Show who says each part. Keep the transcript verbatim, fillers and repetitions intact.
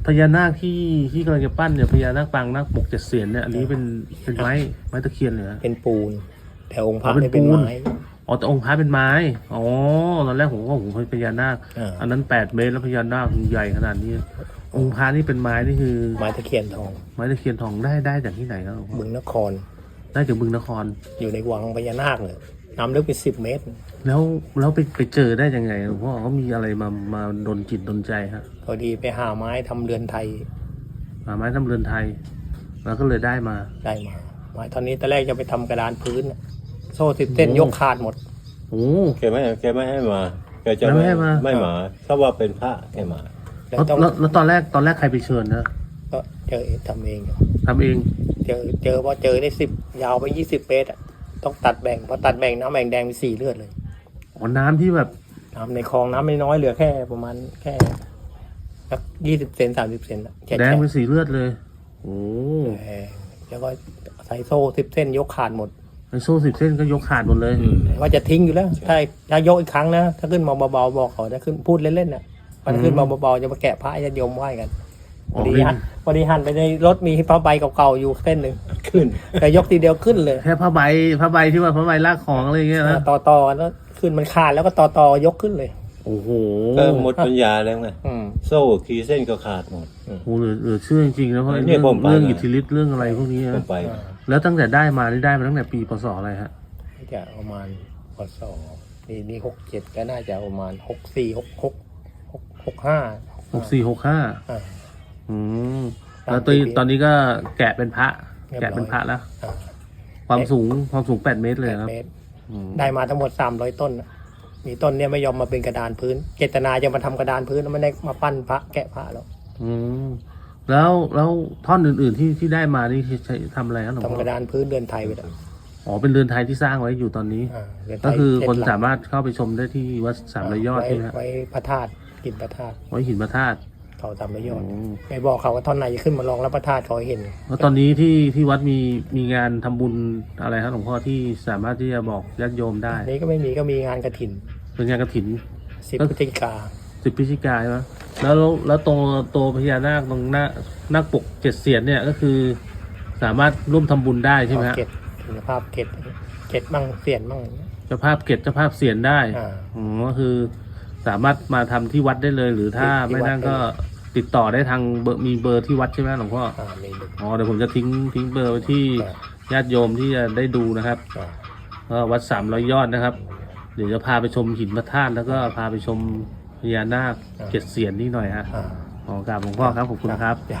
Speaker 1: พญานาคที่ที่กำลังจะปั้นเนี่ยพญานาคปางนาคปกเจ็ดเสียนเนี่ยอันนี้เป็นเป็นไม้ไม้ตะเคียนเหรอ
Speaker 2: เป็นปูนแต่องค์พระ
Speaker 1: เป็น
Speaker 2: เนี่ยเป็น
Speaker 1: ปูน
Speaker 2: ไม้
Speaker 1: อ๋อแต่องค์พระเป็นไม้อ๋อตอนแรกผมก็ผมเป็นพญานาค
Speaker 2: อ่า
Speaker 1: อันนั้นแปดเมตรแล้วพญานาคใหญ่ขนาดนี้ องค์พระนี่เป็นไม้นี่คือ
Speaker 2: ไม้ตะเคียนทอง
Speaker 1: ไม้ตะเคียนทองได้ได้จากที่ไหนครับหลวงพ่อ
Speaker 2: บึงนคร
Speaker 1: ได้จากบึงนคร
Speaker 2: อยู่ในวังพญานาคเลยน้ำลึกเป็นสิบเมตร
Speaker 1: แล้วแล้วไปไปเจอได้ยังไงหลวงพ่อเขามีอะไรมามาดลจิตดลใจฮะ
Speaker 2: พอดีไปหาไม้ทำเรือนไทย
Speaker 1: หาไม้ทำเรือนไทย แล้วก็เลยได้มา
Speaker 2: ได้มาไม้ตอนนี้ตอนแรกจะไปทำกระดานพื้นน่ะโซ่สิบเส้นยกขาดหมด
Speaker 1: โอ้
Speaker 3: แกไม่แกไม่ให้มาแกจะ
Speaker 1: ไม่ให้มา
Speaker 3: ไม่มาเขาว่าเป็นพระแกมา
Speaker 2: แล้ว
Speaker 1: แล้ว
Speaker 2: ต้อง
Speaker 1: แล้วแล้วตอนแรกตอนแรกใครไปเชิญนะ
Speaker 2: ก็เจอทำเองอยู่
Speaker 1: ทำเอง
Speaker 2: เจอเจอพอเจอได้สิบยาวไปยี่สิบเมตรอ่ะต้องตัดแบ่งพอตัดแบ่งน้ำแบ่งแดงเป็นสี่เลือดเลย
Speaker 1: อ๋อน้ำที่แบบ
Speaker 2: น้ำในคลองน้ำไม่น้อยเหลือแค่ประมาณแค่สักยี่สิบเซนสามสิบเซนอะแค่
Speaker 1: แดง
Speaker 2: แค่
Speaker 1: เป็นสีเลือดเลย โอ้
Speaker 2: เออแล้วก็ใส่โซ่สิบเส้นยกขาดหมด
Speaker 1: ไอโซ่สิบเส้นก็ยกขาดหมดเลย
Speaker 3: อืม
Speaker 2: ว่าจะทิ้งอยู่แล้ว ถ้าถ้ายกอีกครั้งนะ ถ้าขึ้นมาเบาๆบอกเขาจะขึ้นพูดเล่นๆน่ะพอขึ้นมาเบาๆจะมาแกะพระจะโยมไหว้กันพ
Speaker 1: อ๋อ
Speaker 2: อดี
Speaker 1: ไม่
Speaker 2: หันพอดีหันไปในรถมีผ้าใบเก่าๆอยู่เส้นหนึ่ง
Speaker 3: ขึ้น
Speaker 2: แต่ยกทีเดียวขึ้นเลย
Speaker 1: แค่ผ้าใบผ้าใบที่ว่าผ้าใบลากของอะไรอย่างเงี้ยนะ
Speaker 2: ต่อต่อๆแล้วขึ้นมันขาดแล้วก็ต่อต่อยกขึ้นเลย
Speaker 1: โอ้โห
Speaker 3: ก็หมดปัญญาแล้วไง
Speaker 2: อืม
Speaker 3: โซ่ขีเส้นก็ขาดหมด
Speaker 1: โอ้โหเหลือเหลือเชื่อจริงๆนะเพราะ
Speaker 3: เนี่
Speaker 1: เรื่
Speaker 3: ย
Speaker 1: อง
Speaker 3: ผมไป
Speaker 1: เรื่อง
Speaker 3: มา
Speaker 1: อิทธิฤทธิ์เรื่องอะไรพวกนี้
Speaker 3: ผม
Speaker 1: นะ
Speaker 3: ไป
Speaker 1: แล้วตั้งแต่ได้มานี่ได้มาตั้งแต่ปีพศอะไรฮะ
Speaker 2: จะประมาณพศนี่นี่หกเจ็ดก็น่าจะประมาณหกสี่หกหกหกหกห้า
Speaker 1: หกสี่หกห้า
Speaker 2: อ่า
Speaker 1: อืมแล้วตอนตอนนี้ก็แกะเป็นพระ
Speaker 2: เรียบร้อย
Speaker 1: แกะเป็นพระแล้ว
Speaker 2: อ่า
Speaker 1: ความสูงความสูงแปดเมตรเลย
Speaker 2: แปด
Speaker 1: ครับ
Speaker 2: เมตร
Speaker 1: อืม
Speaker 2: ได้มาทั้งหมดสามร้อยต้นน่ะมีต้นเนี่ยไม่ยอมมาเป็นกระดานพื้น เจตนาจะมาทำกระดานพื้นแล้วไม่ได้มาปั้นพระแกะพระหรอก
Speaker 1: อืมแล้วแล้วท่อนอื่นๆที่ที่ได้มานี่ใช้ทำอะไรครับหลวงพ่
Speaker 2: ทำก
Speaker 1: อ
Speaker 2: ระดานพื้นเรือนไทยไปแล้ว
Speaker 1: อ๋อเป็นเรือนไทยที่สร้างไว้อยู่ตอนนี้
Speaker 2: อ่าเรือนไท
Speaker 1: ก็
Speaker 2: ย
Speaker 1: คือ
Speaker 2: เจ็ด
Speaker 1: คน
Speaker 2: หลัง
Speaker 1: สามารถเข้าไปชมได้ที่วัดสามระยอด
Speaker 2: ไว้
Speaker 1: ใช่ไหมฮะ
Speaker 2: ไว้พระธาตุกินพระธาตุ
Speaker 1: ไว้หินพระธาตุ
Speaker 2: เขาสามระยอด
Speaker 1: อืม
Speaker 2: ไม่บอกเขาว่าท่อนไหนจะขึ้นมาลองรับพระธาตุเขาให้เห็น
Speaker 1: แล้วตอนนี้ที่ที่วัดมีมีงานทำบุญอะไรครับหลวงพ่อที่สามารถที่จะบอกญาติโยมได้
Speaker 2: อันนี้ก็ไม่มีก็มีงานกระถิน
Speaker 1: เป็นงานกฐิน
Speaker 2: สิบ
Speaker 1: ก็
Speaker 2: พฤศจิกา
Speaker 1: สิบพฤศจิกายนใช่ไหมแล้วแล้วตรงตัวพญานาคตรงหน้านาคปกเจ็ดเสียนเนี่ยก็คือ สามารถร่วมทำบุญได้ใช่ไหมฮะ
Speaker 2: เกตคุณภาพเกตเกตบ้างเสียนบ้าง
Speaker 1: เจ้าภาพเก็บเจ้าภาพเสียนได้
Speaker 2: อ่า
Speaker 1: อ๋อก็คือ สามารถมาทำที่วัดได้เลย หรือถ้า
Speaker 2: ที่
Speaker 1: ไม่
Speaker 2: วัด
Speaker 1: นั่น
Speaker 2: ได้
Speaker 1: ก็ติดต่อได้ทางเบอร์มีเบอร์ที่วัดใช่ไหมหลวงพ่อ
Speaker 2: อ่ามีหนึ่ง
Speaker 1: อ๋อเดี๋ยวผมจะทิ้งทิ้งเบอร์ไว้ที่
Speaker 2: อ่า
Speaker 1: ญาติโยมที่จะได้ดูนะครับ
Speaker 2: อ่า
Speaker 1: ก็วัดสามร้อยยอดนะครับ เดี๋ยวจะพาไปชมหินพระธาตุแล้วก็พาไปชมพญานาคเจ็ดเสียนนี่หน่อยฮะ
Speaker 2: อ่า
Speaker 1: ขอกราบหลวงพ่อครับขอบคุณครับ
Speaker 2: จ้ะ